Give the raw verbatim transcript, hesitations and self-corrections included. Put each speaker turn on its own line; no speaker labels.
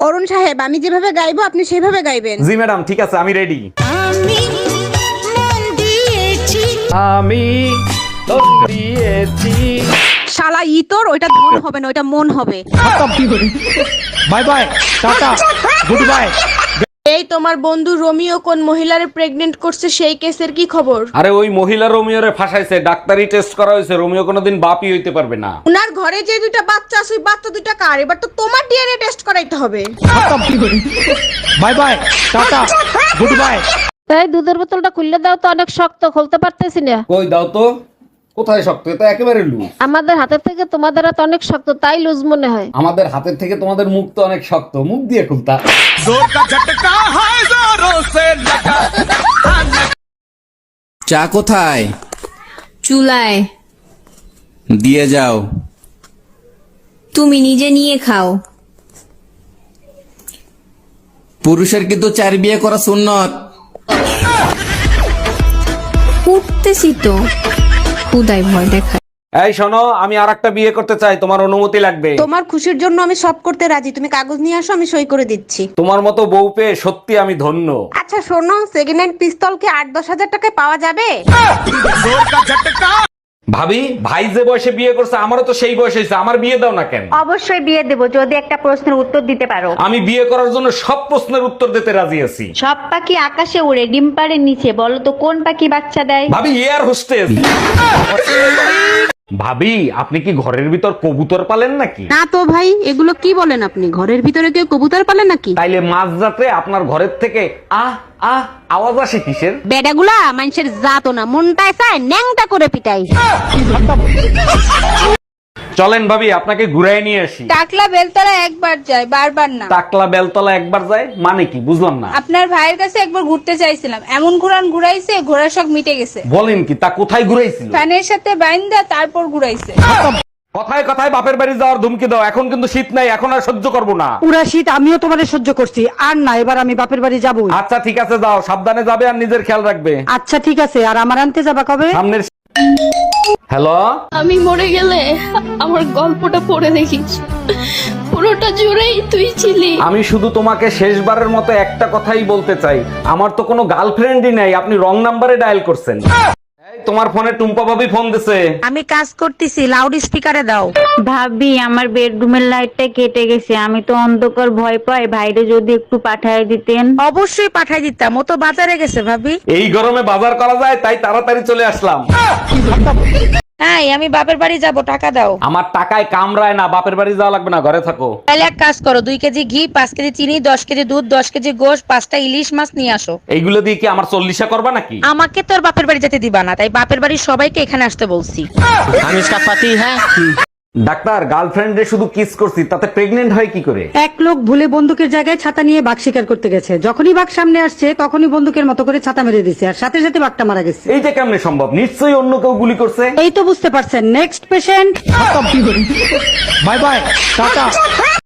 অরুণ সাহেব, আমি যেভাবে গাইবো আপনি সেভাবে গাইবেন।
জি ম্যাডাম, ঠিক আছে, আমি রেডি।
আমি মন দিয়েছি।
আমি তো দিয়েছি।
শালা ইতর, ওইটা ধন হবে না, ওইটা মন হবে।
Bye bye, tata, goodbye.
এই তোমার বন্ধু রোমিও কোন মহিলারে প্রেগনেন্ট করছে, সেই কেসের কি খবর?
আরে ওই মহিলা রোমিওরে ফাঁসাইছে, ডাক্তারি টেস্ট করা হয়েছে, রোমিও কোনোদিন বাপই হইতে পারবে না।
উনার ঘরে যে দুইটা বাচ্চা আছে, ওই বাচ্চা দুইটা কার? এবার তো তোমার ডিএনএ টেস্ট করাইতে হবে।
Bye bye, tata, goodbye.
এই দুধের বোতলটা খুললে দাও তো, অনেক শক্ত, খুলতে পারতেছি না।
কই দাও তো, কোথায় শক্ত? এটা একেবারে লুজ।
আমাদের হাতের থেকে তোমাদের হাত অনেক শক্ত, তাই লুজ মনে হয়।
আমাদের হাতের থেকে তোমাদের মুখ তো অনেক শক্ত, মুখ দিয়ে খুলতা।
চা কোথায়?
চুলায়।
দিয়ে যাও।
তুমি নিজে নিয়ে খাও।
পুরুষের কিন্তু চার বিয়ে করা সুন্নত।
উঠতেছি তো, খুদাই ভয় দেখায়।
এই শোনো, আমি আর একটা বিয়ে করতে চাই, তোমার অনুমতি লাগবে।
তোমার খুশির জন্য আমি সব করতে রাজি, তুমি কাগজ নিয়ে আসো, আমি সই করে দিচ্ছি।
তোমার মতো বউ পেয়ে সত্যি আমি ধন্য।
আচ্ছা শোনো, সেকেন্ড হ্যান্ড পিস্তল কি আট দশ হাজার টাকায় পাওয়া যাবে?
ভাবি, ভাই যে বয়সে বিয়ে করছে আমারও তো সেই বয়স হয়েছে, আমার বিয়ে দাও না কেন?
অবশ্যই বিয়ে দেব যদি একটা প্রশ্নের উত্তর দিতে পারো।
আমি বিয়ে করার জন্য সব প্রশ্নের উত্তর দিতে রাজি আছি।
সব পাখি আকাশে উড়ে, ডিম পাড়ের নিচে, বলো তো কোন পাখি বাচ্চা দেয়?
ভাবি, এয়ার হোস্টেস। ভাবি, আপনি কি ঘরের ভিতর কবুতর পালেন নাকি?
না তো ভাই, এগুলো কি বলেন আপনি? ঘরের ভিতরে কেউ কবুতর পালে নাকি?
তাইলে মাঝরাতে আপনার ঘরের থেকে আহ আহ আওয়াজ আসে কিসের?
বেডাগুলা মানুষের জাতো না, মনটায় চায় ন্যাংটা করে পিটাই।
চলেন ভাবি, আপনাকে ঘুরাই নিয়ে আসি।
টাকলা বেলতলা একবার যায়, বারবার না।
টাকলা বেলতলা একবার যায় মানে কি, বুঝলাম না।
আপনার ভাইয়ের কাছে একবার ঘুরতে চাইছিলাম, এমন ঘুরান ঘুরাইছে, ঘোড়ার শখ মিটে গেছে।
বলেন কি, তা কোথায় ঘুরাইছিল?
ফ্যানের সাথে বাইন্দা তারপর ঘুরাইছে।
কথায় কথায় বাপের বাড়ি যাওয়ার ধুমকি দাও। এখন কিন্তু শীত নাই, এখন আর সহ্য করবো না।
পুরা শীত আমিও তোমারে সহ্য করছি, আর না, এবার আমি বাপের বাড়ি যাবো।
আচ্ছা ঠিক আছে, যাও, সাবধানে যাবে আর নিজের খেয়াল রাখবে।
আচ্ছা ঠিক আছে, আর আমার আনতে যাবা কবে?
সামনের। হ্যালো,
আমি মরে গেলে আমার গল্পটা পড়ে দেখিস, পুরোটা জুড়েই তুই ছিলি।
আমি শুধু তোমাকে শেষবারের মতো একটা কথাই বলতে চাই, আমার তো কোনো গার্লফ্রেন্ডই নাই, আপনি রং নাম্বারে ডায়াল করছেন। এই, তোমার ফোনে টুম্পা ভাবি ফোন দিছে।
আমি কাজ করতেছি, লাউড স্পিকারে দাও।
ভাবি, আমার বেডরুমের লাইটটা কেটে গেছে, আমি তো অন্ধকার ভয় পাই, ভাইরে যদি একটু পাঠায় দিতেন।
অবশ্যই পাঠাই দিতাম, ও তো বাজারে গেছে ভাবি।
এই গরমে বাজার করা যায়, তাই তাড়াতাড়ি চলে আসলাম।
হ্যাঁ, আমি বাপের বাড়ি যাব, টাকা দাও।
আমার টাকায় কামড়ায় না, বাপের বাড়ি যাওয়া লাগবে না, ঘরে থাকো।
তাহলে এক কাজ করো, দুই কেজি ঘি, পাঁচ কেজি চিনি, দশ কেজি দুধ, দশ কেজি গোশ, পাঁচটা ইলিশ মাছ নিয়ে আসো।
এইগুলো দিয়ে কি আমার চল্লিশা করবা নাকি?
আমাকে তোর বাপের বাড়ি যেতে দিবা না, তাই বাপের বাড়ির সবাইকে এখানে আসতে বলছি।
আমি इसका पति है। ডাক্তার, গার্লফ্রেন্ডে শুধু কিস করছি, তাতে প্রেগনেন্ট হয় কি করে?
এক লোক ভুলে বন্দুকের জায়গায় ছাতা নিয়ে বাঘ শিকার করতে গেছে, যখনই বাঘ সামনে আসছে তখনই বন্দুকের মতো করে ছাতা মেরে দিছে, আর সাথে সাথে বাঘটা মারা গেছে।
এইটা কেমনে সম্ভব? নিশ্চয়ই অন্য কেউ গুলি করছে।
এই তো বুঝতে পারছেন। Next patient.
Bye bye, tata.